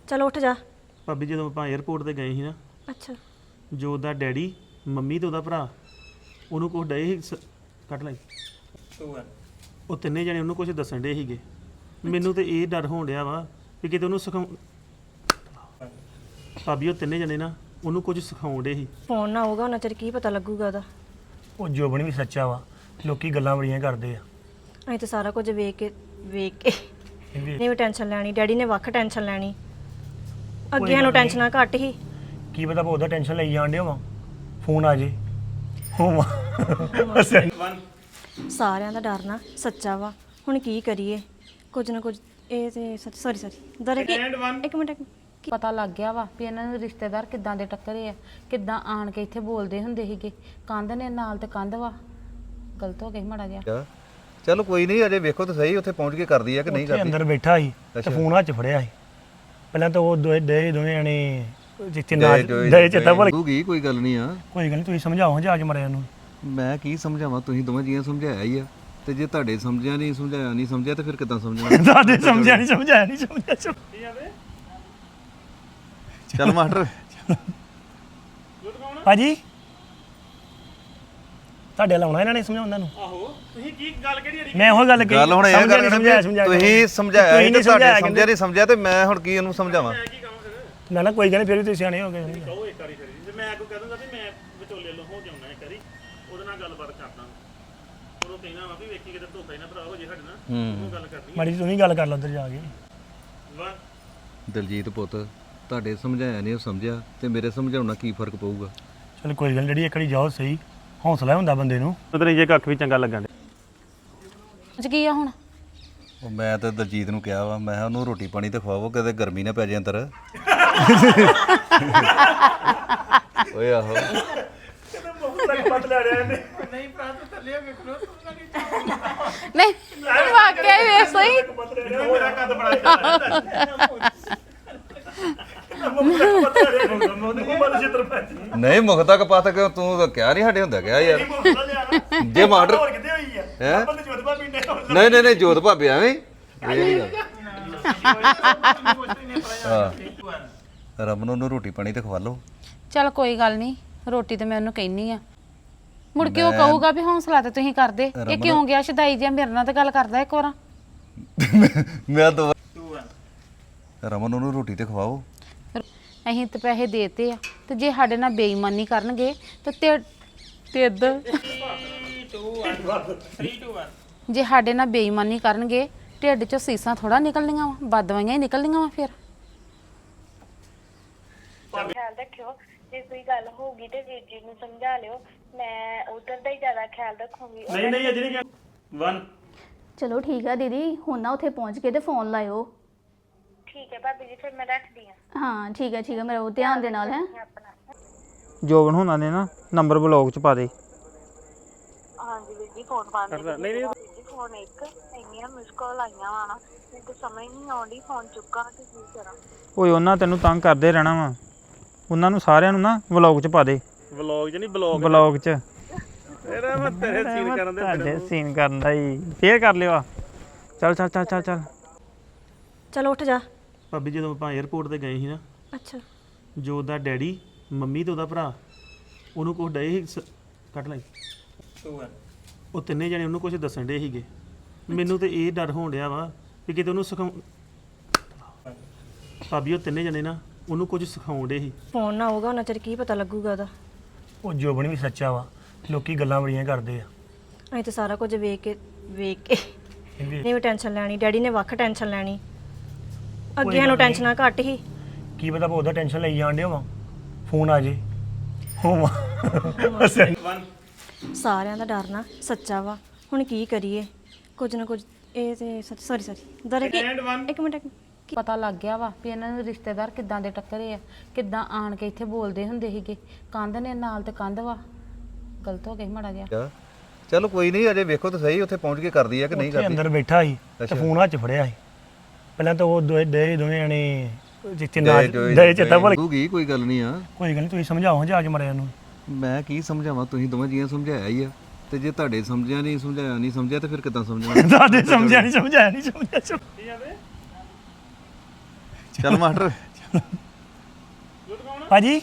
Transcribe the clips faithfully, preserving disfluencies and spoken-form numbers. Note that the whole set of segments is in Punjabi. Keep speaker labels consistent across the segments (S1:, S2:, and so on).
S1: चलो उठ जा।
S2: ਭਾਬੀ ਜਦੋਂ ਆਪਾਂ 에어ਪੋਰਟ ਤੇ ਗਏ ਸੀ ਨਾ
S1: अच्छा
S2: ਜੋ ਉਹਦਾ ਡੈਡੀ ਮੰਮੀ ਤੇ ਉਹਦਾ ਭਰਾ ਉਹਨੂੰ ਕੁਝ ਡਏ ਸੀ ਸ- ਕੱਟ ਲਈ ਉਹ ਤਿੰਨੇ ਜਣੇ ਉਹਨੂੰ ਕੁਝ ਦੱਸਣ ਡੇ ਸੀਗੇ ਮੈਨੂੰ ਤੇ ਇਹ ਡਰ ਹੋਣ ਡਿਆ ਵਾ ਕਿ ਕਿਤੇ ਉਹਨੂੰ ਸਿਖਾਉ ਭਾਬੀ ਉਹ ਤਿੰਨੇ ਜਣੇ ਨਾ ਉਹਨੂੰ ਕੁਝ ਸਿਖਾਉਣ ਡੇ ਸੀ
S1: फोन ना होगा ना चेर की पता लगूगा ओदा।
S3: ਉਹ ਜੋਬਨ ਵੀ ਸੱਚਾ ਵਾ ਲੋਕੀ ਗੱਲਾਂ ਬੜੀਆਂ ਕਰਦੇ ਆ
S1: ਅਸੀਂ ਤਾਂ ਸਾਰਾ ਕੁਝ ਵੇਖ ਕੇ ਵੇਖ ਕੇ ਨਹੀਂ ਵੀ ਟੈਨਸ਼ਨ ਲੈਣੀ ਡੈਡੀ ਨੇ ਵੱਖ ਟੈਨਸ਼ਨ ਲੈਣੀ ਅੱਗੇ ਸਾਨੂੰ ਟੈਨਸ਼ਨਾਂ ਘੱਟ ਹੀ
S3: ਕੀ ਪਤਾ ਉਹਦਾ ਟੈਨਸ਼ਨ ਲਈ ਜਾਣ ਡਿਆ ਵਾ ਫੋਨ ਆ ਜੇ ਹੋਵਾ
S1: ਸਾਰਿਆਂ ਦਾ ਡਰ ਨਾ ਸੱਚਾ ਵਾ ਹੁਣ ਕੀ ਕਰੀਏ ਕੁਝ ਨਾ ਕੁਝ ਇਹ ਤੇ ਸੌਰੀ ਸੌਰੀ ਦਰ ਕੀ ਇੱਕ ਮਿੰਟ ਇੱਕ ਮਿੰਟ।
S4: ਪਤਾ ਲੱਗ ਗਿਆ ਵਾ ਵੀ ਇਹਨਾਂ ਨੂੰ ਰਿਸ਼ਤੇਦਾਰ ਕਿੱਦਾਂ ਦੇ ਟੱਕਰੇ ਆ ਕਿੱਦਾਂ ਆਣ ਕੇ ਇੱਥੇ ਬੋਲਦੇ ਹੁੰਦੇ ਸੀਗੇ ਕੰਧ ਨੇ ਨਾਲ ਤੇ ਕੰਧ ਵਾ ਗਲਤ ਹੋ ਗਈ ਮਾੜਾ ਜਿਹਾ।
S5: ਚਲੋ ਕੋਈ ਨਹੀਂ ਅਜੇ ਵੇਖੋ ਤਾਂ ਸਹੀ ਉੱਥੇ ਪਹੁੰਚ ਕੇ ਕਰਦੀ ਆ ਕਿ ਨਹੀਂ
S3: ਉੱਥੇ
S5: ਕਰਦੀ।
S3: ਅੰਦਰ ਬੈਠਾ ਸੀ ਤੇ ਫੋਨ ਹੱਥ 'ਚ ਫੜਿਆ ਸੀ ਪਹਿਲਾਂ ਤਾਂ ਉਹ ਦੋਏ ਡੇ ਦੋਵੇਂ ਜਣੇ ਜਿੱਥੇ ਨਾ ਦੇ ਚੇਤਾ ਭੁੱਲ
S5: ਗਈ ਕੋਈ ਗੱਲ ਨਹੀਂ ਆ।
S3: ਕੋਈ ਗੱਲ ਨਹੀਂ ਤੁਸੀਂ ਸਮਝਾਓ ਜਾ ਕੇ ਮਰਿਆ ਨੂੰ
S5: ਮੈਂ ਕੀ ਸਮਝਾਵਾਂ ਤੁਸੀਂ ਦੋਵੇਂ ਜੀਆਂ ਸਮਝਾਇਆ ਹੀ ਆ ਤੇ ਜੇ ਤੁਹਾਡੇ ਸਮਝਿਆ ਨਹੀਂ ਸਮਝਾਇਆ ਨਹੀਂ ਸਮਝਿਆ ਤੇ ਫਿਰ ਕਿੱਦਾਂ ਸਮਝਣਾ।
S3: ਦਾਦੇ ਸਮਝਿਆ ਨਹੀਂ ਸਮਝਾਇਆ ਨਹੀਂ ਸਮਝਿਆ
S5: ਚੱਲ ਮਾਸਟਰ
S3: ਭਾਜੀ ਤੁਹਾਡੇ ਲਾਉਣਾ ਇਹਨਾਂ ਨੇ ਸਮਝਾਉਂਦਾ ਨੂੰ
S2: ਆਹੋ ਤੁਸੀਂ ਕੀ ਗੱਲ ਕਿਹੜੀ
S3: ਮੈਂ ਉਹ ਗੱਲ ਕਹੀ
S5: ਗੱਲ ਹੁਣ ਇਹ
S3: ਸਮਝਿਆ
S5: ਕਰਨੀ
S3: ਸਮਝਾਇਆ
S5: ਵੀ
S3: ਸਮਝਾਇਆ
S5: ਤੁਸੀਂ ਸਮਝਾਇਆ
S3: ਤੁਸੀਂ
S5: ਤੇ
S3: ਨਹੀਂ
S5: ਤੁਹਾਡੇ
S3: ਸਮਝਾਇਆ
S5: ਸਮਝਿਆ ਨਹੀਂ ਸਮਝਿਆ ਤੇ ਮੈਂ ਹੁਣ ਕੀ ਇਹਨੂੰ ਸਮਝਾਵਾਂ।
S3: ਨਾ ਨਾ ਕੋਈ ਗੱਲ ਨਹੀਂ ਫਿਰ ਵੀ ਤੁਸੀਂ ਸਿਆਣੇ ਹੋ ਗਏ
S2: ਕਹੋ ਇੱਕ ਵਾਰੀ ਫਿਰ ਜੇ ਮੈਂ ਕੋ ਕਹਿ ਦੂੰਗਾ ਵੀ ਮੈਂ ਵਿਚੋਲੇ ਲੋ ਹੋ ਜਾਉਣਾ ਇੱਕ ਵਾਰੀ ਉਹਦੇ ਨਾਲ ਗੱਲਬਾਤ ਕਰਦਾ ਉਹਨੂੰ ਕਹਿਣਾ ਵਾ ਵੀ ਵੇਖੀ ਕਿਤੇ ਧੋਖਾ ਹੀ ਨਾ ਭਰਾ ਹੋ ਜੇ ਸਾਡੇ ਨਾਲ ਉਹ ਗੱਲ ਕਰਨੀ
S3: ਮਾੜੀ ਤੁਸੀਂ ਗੱਲ ਕਰ ਲਓ ਉੱਧਰ ਜਾ ਕੇ
S2: ਵਾ
S5: ਦਲਜੀਤ ਪੁੱਤ ਤੁਹਾਡੇ ਸਮਝਾਇਆ ਨਹੀਂ ਉਹ ਸਮਝਿਆ ਤੇ ਮੇਰੇ ਸਮਝਾਉਣ ਨਾਲ ਕੀ ਫਰਕ ਪਊਗਾ।
S3: ਚਲ ਕੋਈ ਗੱਲ ਜਿਹੜੀ ਇੱਕ ਵਾਰੀ ਜਾਓ ਸਹੀ ਹੌਸਲਾ ਹੁੰਦਾ ਬੰਦੇ ਨੂੰ
S2: ਉਧਰ ਜੇ ਕੱਖ ਵੀ ਚੰਗਾ ਲੱਗਣ ਦੇ
S4: ਅੱਜ ਕੀ ਆ ਹੁਣ
S5: ਉਹ ਮੈਂ ਤਾਂ ਦਲਜੀਤ ਨੂੰ ਕਿਹਾ ਵਾ ਮੈਂ ਕਿਹਾ ਉਹਨੂੰ ਰੋਟੀ ਪਾਣੀ ਤੇ ਖਵਾਵੋ ਕਿਤੇ ਗਰਮੀ ਨਾ ਪੈ ਜਾਏ ਅੰਦਰ। ਓਏ ਆਹੋ
S4: ਨਹੀਂ ਵਾਕਿਆ ਹੀ ਵੇਖ ਸਹੀ
S2: ਮੇਰਾ ਕੱਦ ਬੜਾ ਜ਼ਿਆਦਾ
S5: ਨਹੀਂ ਮੁਖ ਤੱਕ ਪਤ ਕਿ ਤੂੰ ਤਾਂ ਕਿਹਾ ਨਹੀਂ ਸਾਡੇ ਹੁੰਦਾ ਕਿਹਾ ਯਾਰ ਜੇ ਮਾਡਰ ਹੈ ਨਹੀਂ ਨਹੀਂ ਨਹੀਂ ਜੋਤ ਭਾਬੀ ਐਵੇਂ ਇਹ ਨਹੀਂ ਗੱਲ। ਹਾਂ ਰਮਨ ਨੂੰ ਰੋਟੀ ਪਾਣੀ ਤੇ ਖਵਾ ਲਓ।
S4: ਚਲ ਕੋਈ ਗੱਲ ਨਹੀਂ ਰੋਟੀ ਤੇ ਮੈਂ ਉਹਨੂੰ ਕਹਿਨੀ ਆ ਮੁੜ ਕੇ ਉਹ ਕਹੂਗਾ ਵੀ ਹੌਸਲਾ ਤੇ ਤੁਸੀਂ ਕਰਦੇ ਇਹ ਕਿਉਂ ਗਿਆ ਸ਼ਦਾਈ ਜਿਹਾ ਮੇਰੇ ਨਾਲ ਤੇ ਗੱਲ ਕਰਦਾ ਇੱਕ ਵਾਰ
S5: ਮੈਂ ਤਾਂ ਰਮਨ ਨੂੰ ਰੋਟੀ ਤੇ ਖਵਾਓ।
S4: ਅਸੀਂ ਤੇ ਪੈਸੇ ਦੇਤੇ ਆ ਤੇ ਜੇ ਸਾਡੇ ਨਾਲ ਬੇਈਮਾਨੀ ਕਰਨਗੇ ਤੇ ਤੇ ਤਿੱਦ ਜੇ ਸਾਡੇ ਨਾਲ ਬੇਈਮਾਨੀ ਕਰਨਗੇ ਢਿੱਡ ਚੋਂ ਸੀਸਾਂ ਥੋੜਾ ਨਿਕਲਣੀਆਂ ਵਾ ਬਦਵਾਈਆਂ ਹੀ ਨਿਕਲਣੀਆਂ ਵਾ ਫਿਰ।
S6: ਖਿਆਲ ਰੱਖਿਓ ਜੇ ਕੋਈ ਗੱਲ ਹੋਊਗੀ ਤੇ ਵੀਰ ਜੀ ਨੂੰ ਸਮਝਾ ਲਿਓ ਮੈਂ ਉਧਰ ਦਾ ਹੀ ਜ਼ਿਆਦਾ ਖਿਆਲ ਰੱਖੂੰਗੀ।
S2: ਨਹੀਂ ਨਹੀਂ ਅਜੇ ਨਹੀਂ ਵਨ
S7: ਚਲੋ ਠੀਕ ਆ ਦੀਦੀ ਹੁਣ ਨਾ ਉੱਥੇ ਪਹੁੰਚ ਕੇ ਤੇ ਫੋਨ ਲਾਇਓ।
S6: ਠੀਕ ਹੈ ਭਾਬੀ ਜੀ ਫਿਰ ਮੈਂ ਰੱਖਦੀ ਹਾਂ।
S7: ਹਾਂ ਠੀਕ ਹੈ ਠੀਕ ਹੈ ਮੇਰਾ ਉਹ ਧਿਆਨ ਦੇ ਨਾਲ ਹੈ।
S6: ਆਪਣਾ
S8: ਜੋਬਨ ਹੋਣਾ ਨੇ ਨਾ ਨੰਬਰ ਬਲੌਗ ਚ ਪਾ ਦੇ।
S6: ਹਾਂਜੀ ਵੀਰ ਜੀ ਫੋਨ ਬੰਦ ਨਹੀਂ ਨਹੀਂ ਵੀਰ ਜੀ ਫੋਨ ਇੱਕ ਇੰਨੀਆਂ ਮਿਸ ਕਾਲ ਆਈਆਂ ਵਾ ਨਾ ਮੈਨੂੰ ਸਮਝ ਨਹੀਂ ਆਉਂਦੀ ਫੋਨ ਚੁੱਕਾਂ ਤੇ ਕੀ ਕਰਾਂ।
S8: ਓਏ ਉਹਨਾਂ ਤੈਨੂੰ ਤੰਗ ਕਰਦੇ ਰਹਿਣਾ ਵਾ ਉਹਨਾਂ ਨੂੰ ਸਾਰਿਆਂ ਨੂੰ ਨਾ ਵਲੌਗ ਚ ਪਾ ਦੇ।
S2: ਵਲੌਗ ਚ ਨਹੀਂ ਬਲੌਗ
S8: ਵਲੌਗ ਚ
S2: ਤੇਰਾ ਮੈਂ ਤੇਰੇ ਸੀਨ ਕਰਨ ਦੇ
S8: ਤੁਹਾਡੇ ਸੀਨ ਕਰਨ ਦਾ ਹੀ ਫੇਰ ਕਰ ਲਿਓ। ਚੱਲ ਚੱਲ ਚੱਲ ਚੱਲ ਚੱਲ
S1: ਚਲੋ ਉੱਠ ਜਾ।
S2: ਭਾਬੀ ਜਦੋਂ ਆਪਾਂ 에어ਪੋਰਟ ਤੇ ਗਏ ਸੀ ਨਾ
S1: ਅੱਛਾ
S2: ਜੋ ਉਹਦਾ ਡੈਡੀ ਮੰਮੀ ਤੇ ਉਹਦਾ ਭਰਾ ਉਹਨੂੰ ਕੁਝ ਡਏ ਸੀ ਸ- ਕੱਟ ਲਈ ਉਹ ਤਿੰਨੇ ਜਣੇ ਉਹਨੂੰ ਕੁਝ ਦੱਸਣ ਡੇ ਸੀਗੇ ਮੈਨੂੰ ਤੇ ਇਹ ਡਰ ਹੋਣ ਡਿਆ ਵਾ ਕਿ ਕਿਤੇ ਉਹਨੂੰ ਸਿਖਾਉ ਭਾਬੀ ਉਹ ਤਿੰਨੇ ਜਣੇ ਨਾ ਉਹਨੂੰ ਕੁਝ ਸਿਖਾਉਣ ਡੇ ਸੀ
S1: ਫੋਨ ਨਾ ਹੋਗਾ ਨਾ ਚਿਰ ਕੀ ਪਤਾ ਲੱਗੂਗਾ ਉਹਦਾ।
S3: ਉਹ ਜੋਬਨ ਵੀ ਸੱਚਾ ਵਾ ਲੋਕੀ ਗੱਲਾਂ ਬੜੀਆਂ ਕਰਦੇ ਆ
S1: ਅਸੀਂ ਤਾਂ ਸਾਰਾ ਕੁਝ ਵੇਖ ਕੇ ਵੇਖ ਕੇ ਨਹੀਂ ਵੀ ਟੈਨਸ਼ਨ ਲੈਣੀ ਡੈਡੀ ਨੇ ਵੱਖ ਟੈਨਸ਼ਨ ਲੈਣੀ ਅੱਗੇ ਸਾਨੂੰ ਟੈਨਸ਼ਨਾਂ ਘੱਟ ਹੀ।
S3: ਕੀ ਪਤਾ ਉਹਦਾ ਟੈਨਸ਼ਨ ਲਈ ਜਾਣ ਡਿਆ ਵਾ ਫੋਨ ਆ ਜੇ ਹੋਵਾ
S1: ਸਾਰਿਆਂ ਦਾ ਡਰ ਨਾ ਸੱਚਾ ਵਾ ਹੁਣ ਕੀ ਕਰੀਏ ਕੁਝ ਨਾ ਕੁਝ ਇਹ ਤੇ ਸੌਰੀ ਸੌਰੀ ਦਰ ਕੀ ਇੱਕ ਮਿੰਟ ਇੱਕ ਮਿੰਟ।
S4: ਪਤਾ ਲੱਗ ਗਿਆ ਵਾ ਵੀ ਇਹਨਾਂ ਨੂੰ ਰਿਸ਼ਤੇਦਾਰ ਕਿੱਦਾਂ ਦੇ ਟੱਕਰੇ ਆ ਕਿੱਦਾਂ ਆਣ ਕੇ ਇੱਥੇ ਬੋਲਦੇ ਹੁੰਦੇ ਸੀਗੇ ਕੰਧ ਨੇ ਨਾਲ ਤੇ ਕੰਧ ਵਾ ਗਲਤ ਹੋ ਗਈ ਮਾੜਾ ਜਿਹਾ।
S5: ਚਲੋ ਕੋਈ ਨਹੀਂ ਅਜੇ ਵੇਖੋ ਤਾਂ ਸਹੀ ਉੱਥੇ ਪਹੁੰਚ ਕੇ ਕਰਦੀ ਆ ਕਿ ਨਹੀਂ
S3: ਉੱਥੇ
S5: ਕਰਦੀ।
S3: ਅੰਦਰ ਬੈਠਾ ਸੀ ਤੇ ਫੋਨ ਹੱਥ 'ਚ ਫੜਿਆ ਸੀ ਪਹਿਲਾਂ ਤਾਂ ਉਹ ਦੋਏ ਡੇ ਦੋਵੇਂ ਜਣੇ ਜਿੱਥੇ ਨਾ ਦੇ ਚੇਤਾ ਭੁੱਲ
S5: ਗਈ ਕੋਈ ਗੱਲ ਨਹੀਂ ਆ।
S3: ਕੋਈ ਗੱਲ ਨਹੀਂ ਤੁਸੀਂ ਸਮਝਾਓ ਜਾ ਕੇ ਮਰਿਆ ਨੂੰ
S5: ਮੈਂ ਕੀ ਸਮਝਾਵਾਂ ਤੁਸੀਂ ਦੋਵੇਂ ਜੀਆਂ ਸਮਝਾਇਆ ਹੀ ਆ ਤੇ ਜੇ ਤੁਹਾਡੇ ਸਮਝਿਆ ਨਹੀਂ ਸਮਝਾਇਆ ਨਹੀਂ ਸਮਝਿਆ ਤੇ ਫਿਰ ਕਿੱਦਾਂ ਸਮਝਣਾ।
S3: ਦਾਦੇ ਸਮਝਿਆ ਨਹੀਂ ਸਮਝਾਇਆ ਨਹੀਂ ਸਮਝਿਆ
S5: ਚੱਲ ਮਾਸਟਰ
S3: ਭਾਜੀ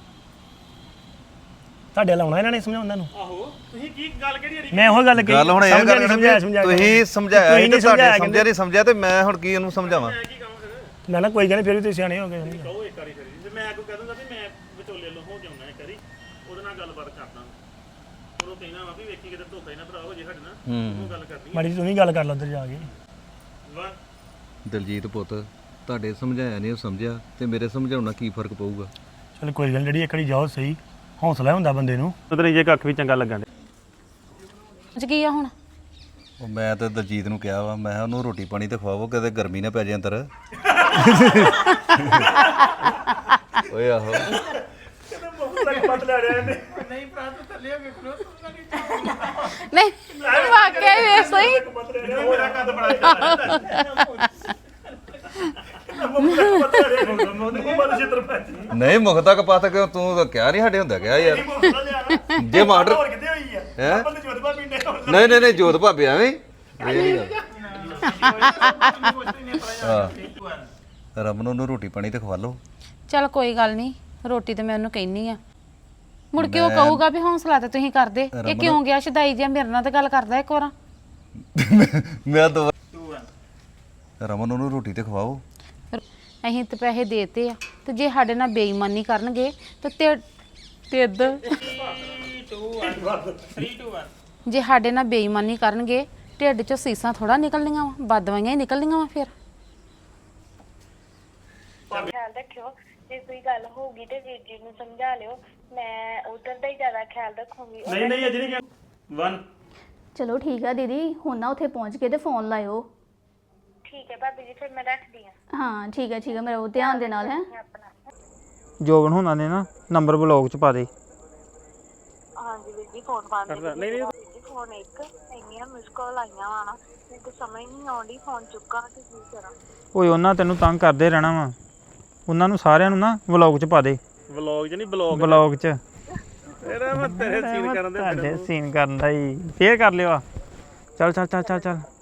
S3: ਤੁਹਾਡੇ ਲਾਉਣਾ ਇਹਨਾਂ ਨੇ ਸਮਝਾਉਂਦਾ ਨੂੰ
S2: ਆਹੋ ਤੁਸੀਂ ਕੀ ਗੱਲ ਕਿਹੜੀ
S3: ਮੈਂ ਉਹ ਗੱਲ ਕਹੀ
S5: ਗੱਲ ਹੁਣ ਇਹ
S3: ਸਮਝਿਆ
S5: ਗੱਲ
S3: ਨੀ,
S5: ਨਾ
S3: ਸਮਝਾਇਆ
S5: ਵੀ
S3: ਸਮਝਾਇਆ
S5: ਤੁਸੀਂ ਸਮਝਾਇਆ
S3: ਤੁਸੀਂ
S5: ਸੀ
S3: ਨਹੀਂ
S5: ਤੇ ਤੁਹਾਡੇ
S3: ਸਮਝਾਇਆ
S5: ਸਮਝਿਆ ਨਹੀਂ ਸਮਝਿਆ ਤੇ ਮੈਂ ਹੁਣ ਕੀ ਉਹਨੂੰ ਸਮਝਾਵਾਂ
S3: ਨਾ ਨਾ ਕੋਈ ਗੱਲ ਨਹੀਂ ਫਿਰ ਵੀ ਤੁਸੀਂ ਸਿਆਣੇ ਹੋ ਗਏ
S2: ਕਹੋ ਇੱਕ ਵਾਰੀ ਫਿਰ ਜੇ ਮੈਂ ਅੱਗੋਂ ਕਹਿ ਦੂੰਗਾ ਵੀ ਮੈਂ ਵਿਚੋਲੇ ਲੋ ਹੋ ਜਾਉਣਾ ਇੱਕ ਵਾਰੀ ਉਹਦੇ ਨਾਲ ਗੱਲਬਾਤ ਕਰਦਾ ਉਹਨੂੰ ਕਹਿਣਾ ਵਾ ਵੀ ਵੇਖੀ ਕਿਤੇ ਧੋਖਾ ਹੀ ਨਾ ਭਰਾ ਹੋ ਜੇ ਸਾਡੇ ਨਾਲ ਉਹ ਗੱਲ ਕਰਨੀ
S3: ਮਾੜੀ ਜਿਹੀ ਤੂੰ ਵੀ ਗੱਲ ਕਰ ਲਾ ਉੱਧਰ ਜਾ ਕੇ
S2: ਵਾ
S5: ਦਲਜੀਤ ਪੁੱਤ ਤੁਹਾਡੇ ਸਮਝਾਇਆ ਨਹੀਂ ਉਹ ਸਮਝਿਆ ਤੇ ਮੇਰੇ ਸਮਝਾਉਣ ਨਾਲ ਕੀ ਫਰਕ ਪਊਗਾ
S3: ਚਲ ਕੋਈ ਗੱਲ ਨੀ, ਜਿਹੜੀ ਇੱਕ ਵਾਰੀ ਜਾਓ ਸਹੀ ਹੌਸਲਾ ਹੁੰਦਾ ਬੰਦੇ ਨੂੰ
S2: ਉਧਰ ਜੇ ਕੱਖ ਵੀ ਚੰਗਾ ਲੱਗਣ
S4: ਅੱਜ ਕੀ ਆ ਹੁਣ
S5: ਉਹ ਮੈਂ ਤੇ ਦਲਜੀਤ ਨੂੰ ਕਿਹਾ ਵਾ ਮੈਂ ਕਿਹਾ ਉਹਨੂੰ ਰੋਟੀ ਪਾਣੀ ਤੇ ਖਵਾਵੋ ਕਿਤੇ ਗਰਮੀ ਨਾ ਪੈ ਜਾਏ ਅੰਦਰ ਓਏ ਆਹੋ
S4: ਨਹੀਂ ਵਾਕਿਆ ਹੀ ਵੇ ਸਹੀ
S2: ਮੇਰਾ ਕੱਦ ਬੜਾ ਚੱਲਦਾ
S5: ਨਹੀਂ ਮੁਖਤਾ ਕਪਾਤ ਕਿਉਂ ਤੂੰ ਤਾਂ ਕਿਹਾ ਨਹੀਂ ਸਾਡੇ ਹੁੰਦਾ ਕਿਹਾ ਯਾਰ ਜੇ ਮਾਡਰ ਹੈ ਨਹੀਂ ਨਹੀਂ ਨਹੀਂ ਜੋਤ ਭਾਬੀ ਐਵੇਂ ਹੀ? ਇਹ ਨੀ ਗੱਲ। ਹਾਂ ਰਮਨ ਨੂੰ ਰੋਟੀ ਪਾਣੀ ਤੇ ਖਵਾ ਲਓ
S4: ਚਲ ਕੋਈ ਗੱਲ ਨਹੀਂ ਰੋਟੀ ਤੇ ਮੈਂ ਉਹਨੂੰ ਕਹਿਨੀ ਆ ਮੁੜ ਕੇ ਉਹ ਕਹੂਗਾ ਵੀ ਹੌਸਲਾ ਤੇ ਤੁਸੀਂ ਕਰਦੇ ਇਹ ਕਿਉਂ ਗਿਆ ਸ਼ਦਾਈ ਜਿਹਾ ਮੇਰੇ ਨਾਲ ਤੇ ਗੱਲ ਕਰਦਾ ਇੱਕ ਵਾਰ
S5: ਮੈਂ ਦੋ ਰਮਨ ਨੂੰ ਰੋਟੀ ਤੇ ਖਵਾਓ
S4: ਅਸੀਂ ਤੇ ਪੈਸੇ ਦੇਤੇ ਆ ਤੇ ਜੇ ਸਾਡੇ ਨਾਲ ਬੇਈਮਾਨੀ ਕਰਨਗੇ ਤੇ ਤੇ ਤਿੱਦ ਜੇ ਸਾਡੇ ਨਾਲ ਬੇਈਮਾਨੀ ਕਰਨਗੇ ਢਿੱਡ ਚੋਂ ਸੀਸਾਂ ਥੋੜਾ ਨਿਕਲਣੀਆਂ ਵਾ ਬਦਵਾਈਆਂ ਹੀ ਨਿਕਲਣੀਆਂ ਵਾ ਫਿਰ
S6: ਖਿਆਲ ਰੱਖਿਓ ਜੇ ਕੋਈ ਗੱਲ ਹੋਊਗੀ ਤੇ ਵੀਰ ਜੀ ਨੂੰ ਸਮਝਾ ਲਿਓ ਮੈਂ ਉਧਰ ਦਾ ਹੀ ਜ਼ਿਆਦਾ ਖਿਆਲ ਰੱਖੂੰਗੀ
S2: ਨਹੀਂ ਨਹੀਂ ਅਜੇ ਨਹੀਂ ਵਨ
S7: ਚਲੋ ਠੀਕ ਆ ਦੀਦੀ ਹੁਣ ਨਾ ਉੱਥੇ ਪਹੁੰਚ ਕੇ ਤੇ ਫੋਨ ਲਾਇਓ
S6: ਠੀਕ ਹੈ ਭਾਬੀ ਜੀ ਫਿਰ ਮੈਂ ਰੱਖਦੀ ਹਾਂ
S7: ਹਾਂ ਠੀਕ ਹੈ ਠੀਕ ਹੈ ਮੇਰਾ ਉਹ ਧਿਆਨ ਦੇ ਨਾਲ ਹੈ
S6: ਆਪਣਾ
S8: ਜੋਬਨ ਹੋਣਾ ਨੇ ਨਾ ਨੰਬਰ ਬਲੌਗ 'ਚ ਪਾ ਦੇ
S6: ਹਾਂਜੀ ਵੀਰ ਜੀ ਫੋਨ ਬੰਦ ਨਹੀਂ ਨਹੀਂ ਵੀਰ ਜੀ ਫੋਨ ਇੱਕ ਇੰਨੀਆਂ ਮਿਸ ਕਾਲ ਆਈਆਂ ਵਾ ਨਾ ਮੈਨੂੰ ਤਾਂ ਸਮਝ ਨਹੀਂ ਆਉਂਦੀ ਫੋਨ ਚੁੱਕਾਂ ਤੇ ਕੀ ਕਰਾਂ
S8: ਓਏ ਉਹਨਾਂ ਤੈਨੂੰ ਤੰਗ ਕਰਦੇ ਰਹਿਣਾ ਵਾ ਉਹਨਾਂ ਨੂੰ ਸਾਰਿਆਂ ਨੂੰ ਨਾ ਵਲੌਗ 'ਚ ਪਾ ਦੇ
S2: ਵਲੌਗ ਚ ਨਹੀਂ ਬਲੌਗ
S8: ਵਲੌਗ 'ਚ
S2: ਤੇਰਾ ਮੈਂ ਤੇਰੇ ਸੀਨ ਕਰਨ ਦੇ
S8: ਤੁਹਾਡੇ ਸੀਨ ਕਰਨ ਦਾ ਹੀ ਫੇਰ ਕਰ ਲਿਓ ਆ ਚੱਲ ਚੱਲ ਚੱਲ ਚੱਲ ਚੱਲ